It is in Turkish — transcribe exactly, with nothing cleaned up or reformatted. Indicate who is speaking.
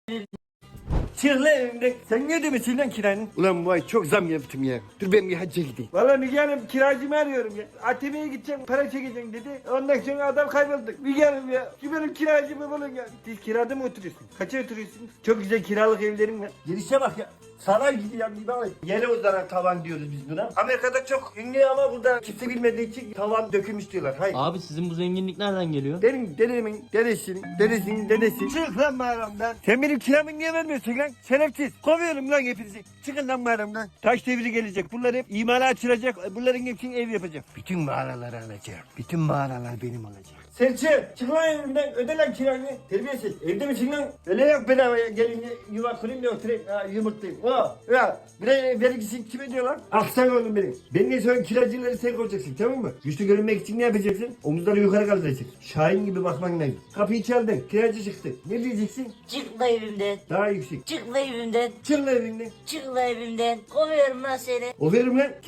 Speaker 1: Çık lan evimden. Sen ne ödemesin lan kiranı? Ulan vay çok zam yaptım ya. Dur ben bir hacca gideyim. Valla Müge Hanım kiracımı arıyorum ya. A T M'ye gideceğim para çekeceğim dedi. Ondan sonra adam kayboldu. Müge Hanım ya. Şu benim kiracımı bulun ya. Siz kirada mı oturuyorsunuz? Kaça oturuyorsunuz? Çok güzel kiralık evlerim var. Girişe bak ya. Saray gibi ya bir bak. Yere uzanan tavan diyoruz biz buna. Amerika'da çok ünlü ama burada kimse bilmediği için tavan dökülmüş diyorlar. Hayır.
Speaker 2: Abi sizin bu zenginlik nereden geliyor?
Speaker 1: Benim dedemin dedesinin dedesinin dedesi. Çık lan mağaramdan. Sen benim kiramı niye vermiyorsun lan? Şerefsiz. Kovuyorum lan hepinizi. Çıkın lan mağaramdan. Taş devri gelecek. Bunlar hep imara açılacak. Bunların hepsini ev yapacak. Bütün mağaraları alacağım. Bütün mağaralar benim olacak. Serçe çık lan evimden öde lan kiranı. Terbiyesiz. Evde misin lan? Öyle yok bedavaya gelin yuva kurayım da oturayım. Ha, yumurtlayayım. O. Ya bir de vergisini kim ödüyor lan? Aksan oğlum benim. Ben ne sonra kiracıları sen koyacaksın tamam mı? Güçlü görünmek için ne yapacaksın? Omuzları yukarı kaldıracaksın. Şahin gibi bakman lazım. Kapıyı çaldın. Kiracı çıktı. Ne diyeceksin?
Speaker 3: Çık la evimden.
Speaker 1: Daha yüksek.
Speaker 3: Çık la evimden.
Speaker 1: Çık lan evinden.
Speaker 3: Çık la evimden. Kovuyorum lan seni.
Speaker 1: O verim lan.